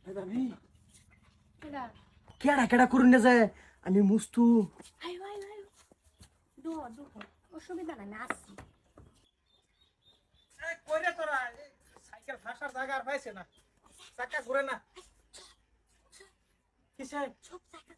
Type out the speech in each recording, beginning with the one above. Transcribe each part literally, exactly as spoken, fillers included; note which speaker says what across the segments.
Speaker 1: ভাবি কেডা কেডা করুন না যায় আমি মুস্তু
Speaker 2: আয় আয় আয় দো দো অসুবিধা নাই না আসছি
Speaker 3: এই কইরে তোরা সাইকেল ফাঁসার জায়গা আর পাইছে না চাকা ঘুরে না কিসে
Speaker 2: চুপ থাক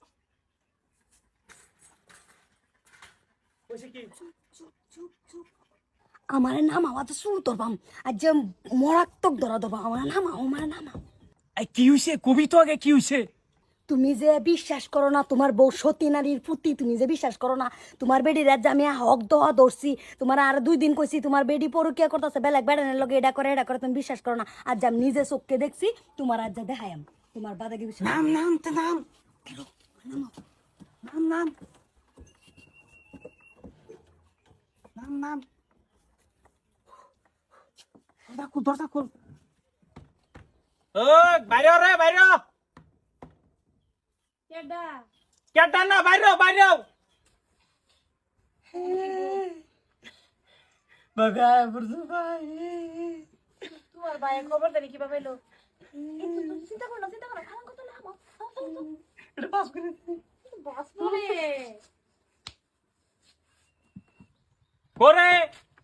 Speaker 3: কইছে কি
Speaker 2: চুপ চুপ চুপ আমার নাম আওয়াজ শুরু করবাম আর যে মরাত্মক ধরা দেবো আমার নাম আমার নাম
Speaker 3: এই কি হইছে কবি তো আগে কি হইছে
Speaker 2: তুমি যে বিশ্বাস করো না তোমার বউ সতী নারীর প্রতি তুমি যে বিশ্বাস করো না তোমার বেডি রাত আমি হক দোয়া ধরছি তোমার আর দুই দিন কইছি তোমার বেডি পরকিয়া করতেছে বেলাক বেড়ানোর লগে এটা করে এটা করে তুমি বিশ্বাস করো না আজ আমি নিজে চোখকে দেখছি তোমার আজ যা দেখাই আমি তোমার বাদাকে বিশ্বাস
Speaker 3: নাম নাম তে নাম নাম নাম নাম নাম দরজা খুল দরজা খুল ওই বাইরে রে বাইরে
Speaker 2: কেডা
Speaker 3: কেডা না বাইরে বাইরে বাবা বুঝু ভাই
Speaker 2: তোমার ভাইয়ের খবর দেবে কিভাবে এলো চিন্তা করো না চিন্তা করো খালাম কত না
Speaker 3: এটা পাস করে
Speaker 2: বস বলে
Speaker 3: করে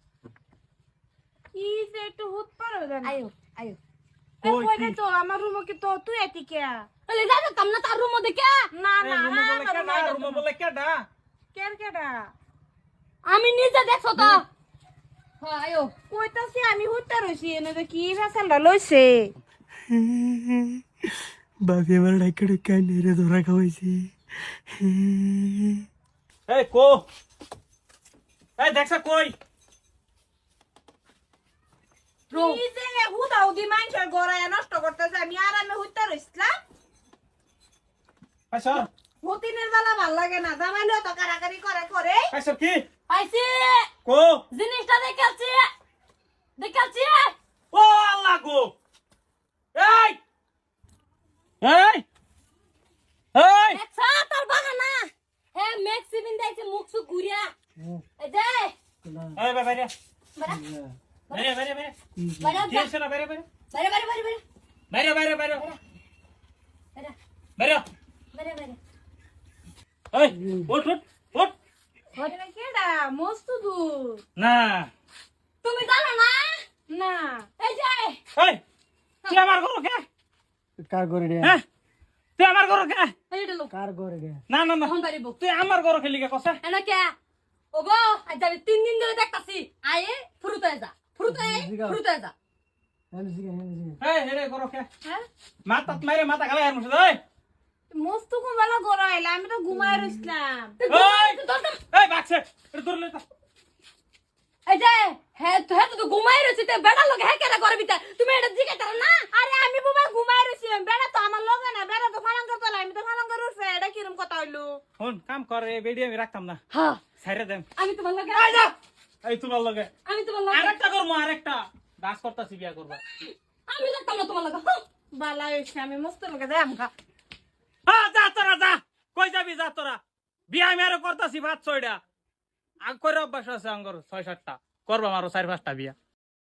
Speaker 4: কি যে একটু হুত পারো জান
Speaker 2: আয়ো আয়ো
Speaker 4: এ কইরে তো আমার রুমে কি তো তুই এটি কে
Speaker 2: বলে দাদা কামনা তার রুম মধ্যে কে
Speaker 4: না না
Speaker 3: রুমে বলে কেডা রুমে বলে কেডা
Speaker 4: কেন কেডা
Speaker 2: আমি নিজে দেখছো তো হ্যাঁ আয়ো
Speaker 4: কইতাছি আমি হুতটা রইছি এনে যে কি ফেসালটা লইছে
Speaker 1: বাপি আমার ডাইকে ডাইকে নেড়ে ধরা খাওয়াইছি
Speaker 3: এই কো এই দেখছ কই
Speaker 4: কি যে হুদাও দি মাইনছর গড়ায় নষ্ট করতেছে আমি আরামে হুতটা রইছিলাম
Speaker 3: আচ্ছা
Speaker 4: হতিনের বেলা ভাল লাগে না জামাইলেও তো কারাকারি করে করে
Speaker 3: আচ্ছা কি
Speaker 2: পাইছি
Speaker 3: কো
Speaker 2: জিনিসটা দেখাচ্ছি দেখাচ্ছি
Speaker 3: ও আল্লাহ গো এই এই এই
Speaker 2: দেখছা তোর বাগানা হে ম্যাক্সিমিন দেখছে মুখ সুখ ঘুরিয়া এই যে
Speaker 3: এই বে বাইরে
Speaker 2: বাড়া
Speaker 3: বাইরে বাইরে বাইরে
Speaker 2: বাড়া
Speaker 3: কি হইছে না বাইরে বাইরে
Speaker 2: বাড়া বাড়া বাড়া
Speaker 3: বাইরে বাইরে বাইরে
Speaker 2: বাড়া
Speaker 3: বাইরে
Speaker 2: বাড়া বাড়া
Speaker 3: এই ওঠ ওঠ ওঠ
Speaker 4: হতিনে কেডা মস্ত দূর
Speaker 3: না
Speaker 2: তুমি জানো না
Speaker 4: না
Speaker 2: এই যে
Speaker 3: এই তুই আমার ঘর কে
Speaker 1: কার করে রে
Speaker 3: হ্যাঁ তুই আমার ঘর কে
Speaker 2: এইটা লোক
Speaker 1: কার করে রে
Speaker 3: না না না
Speaker 2: এখন বাড়িব
Speaker 3: তুই আমার ঘর খেলি কে কসে
Speaker 2: এনা কে ওগো আজ আমি তিন দিন ধরে দেখতাছি আয়ে ফুরুতে যা ফুরুতে ফুরুতে যা
Speaker 1: আমি জিগে আমি জিগে
Speaker 3: এই হেরে ঘর কে
Speaker 4: হ্যাঁ
Speaker 3: মাথা মারে মাথা গালে আর মুছে এই
Speaker 4: মস্ত কোন বেলা গড়াইলা আমি তো ঘুমায় রইছিলাম
Speaker 3: এই এই বাচ্চা এটা ধরে লই তা
Speaker 2: এই যে হে তো হে তো ঘুমাই রইছে তে বেড়া লোক হে কেডা করবি তা তুমি এটা জিজ্ঞাসা করো না
Speaker 4: আরে আমি বাবা ঘুমায় রইছিলাম বেড়া তো আমার লগে না বেড়া তো ফালাঙ্গা তোলা আমি তো ফালাঙ্গা উঠছে এটা কিরম কথা হইলো
Speaker 3: ফোন কাম কর এই বেডি আমি রাখতাম না
Speaker 2: হ্যাঁ
Speaker 3: ছাইরে দেন
Speaker 2: আমি তোমার লগে
Speaker 3: এই যা এই তোমার লগে
Speaker 2: আমি তোমার লগে
Speaker 3: আরেকটা করবো আরেকটা দাস করতাছি বিয়া করবা
Speaker 2: আমি লাগতাম না তোমার লগে হ্যাঁ।
Speaker 4: বালা হইছে আমি মস্ত লগে যাই আমকা
Speaker 3: হ্যাঁ যা তোরা যা কই যাবি যা তোরা বিয়া আমি আরো করতাছি ভাত ছয়টা আগ করে অভ্যাস আছে আঙ্গর ছয় সাতটা করবা আরো চার পাঁচটা বিয়া